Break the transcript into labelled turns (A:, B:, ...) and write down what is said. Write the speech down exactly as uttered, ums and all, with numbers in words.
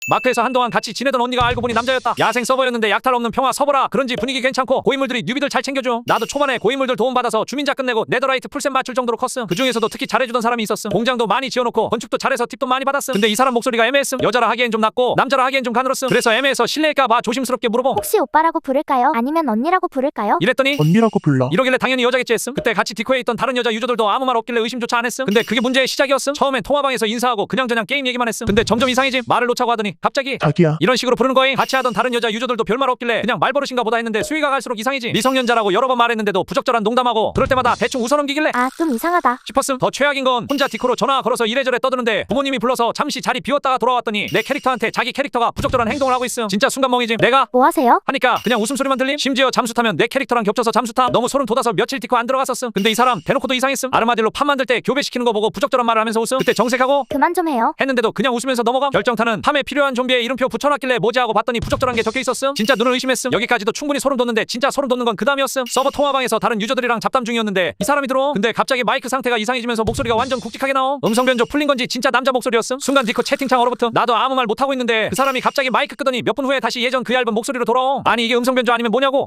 A: 마크에서 한동안 같이 지내던 언니가 알고 보니 남자였다. 야생 서버였는데 약탈 없는 평화 서버라 그런지 분위기 괜찮고 고인물들이 뉴비들 잘 챙겨줘. 나도 초반에 고인물들 도움받아서 주민자 끝내고 네더라이트 풀셋 맞출 정도로 컸음. 그 중에서도 특히 잘해주던 사람이 있었음. 공장도 많이 지어놓고 건축도 잘해서 팁도 많이 받았음. 근데 이 사람 목소리가 애매했음. 여자라 하기엔 좀 낮고 남자라 하기엔 좀 가늘었음. 그래서 애매해서 실례일까봐 조심스럽게 물어봄.
B: 혹시 오빠라고 부를까요? 아니면 언니라고 부를까요?
A: 이랬더니
C: 언니라고 불러.
A: 이러길래 당연히 여자겠지 했음. 그때 같이 디코에 있던 다른 여자 유저들도 아무 말 없길래 의심조차 안 했음. 근데 그게 문제의 시작이었음. 처음엔 통화방에서 인사하고 그냥저냥 게임 얘기만 했음. 근데 점점 이상해짐. 말을 놓자고 하더니 갑자기
C: 자기야.
A: 이런 식으로 부르는 거임. 같이 하던 다른 여자 유저들도 별말 없길래 그냥 말버릇인가 보다 했는데 수위가 갈수록 이상해지. 미성년자라고 여러 번 말했는데도 부적절한 농담하고 그럴 때마다 대충 웃어넘기길래
B: 아, 좀 이상하다.
A: 싶었음. 더 최악인 건 혼자 디코로 전화 걸어서 이래저래 떠드는데 부모님이 불러서 잠시 자리 비웠다가 돌아왔더니 내 캐릭터한테 자기 캐릭터가 부적절한 행동을 하고 있음. 진짜 순간 멍해짐. 내가
B: 뭐 하세요?
A: 하니까 그냥 웃음소리만 들림. 심지어 잠수 타면 내 캐릭터랑 겹쳐서 잠수 타. 너무 소름 돋아서 며칠 디코 안 들어갔었음. 근데 이 사람 대놓고도 이상했음. 아르마딜로 판 만들 때 교배시키는 거 보고 부적절한 말을 하면서 웃음. 그때 정색하고
B: 그만 좀 해요.
A: 했는데도 그냥 웃으면서 넘어감. 결정타는 팜에 필요한 좀비에 이름표 붙여놨길래 뭐지 하고 봤더니 부적절한 게 적혀있었음. 진짜 눈을 의심했음. 여기까지도 충분히 소름 돋는데 진짜 소름 돋는 건 그 다음이었음. 서버 통화방에서 다른 유저들이랑 잡담 중이었는데 이 사람이 들어옴. 근데 갑자기 마이크 상태가 이상해지면서 목소리가 완전 굵직하게 나옴. 음성 변조 풀린 건지 진짜 남자 목소리였음. 순간 디코 채팅창 얼어붙음. 나도 아무 말 못하고 있는데 그 사람이 갑자기 마이크 끄더니 몇 분 후에 다시 예전 그 얇은 목소리로 돌아옴. 아니 이게 음성 변조 아니면 뭐냐고.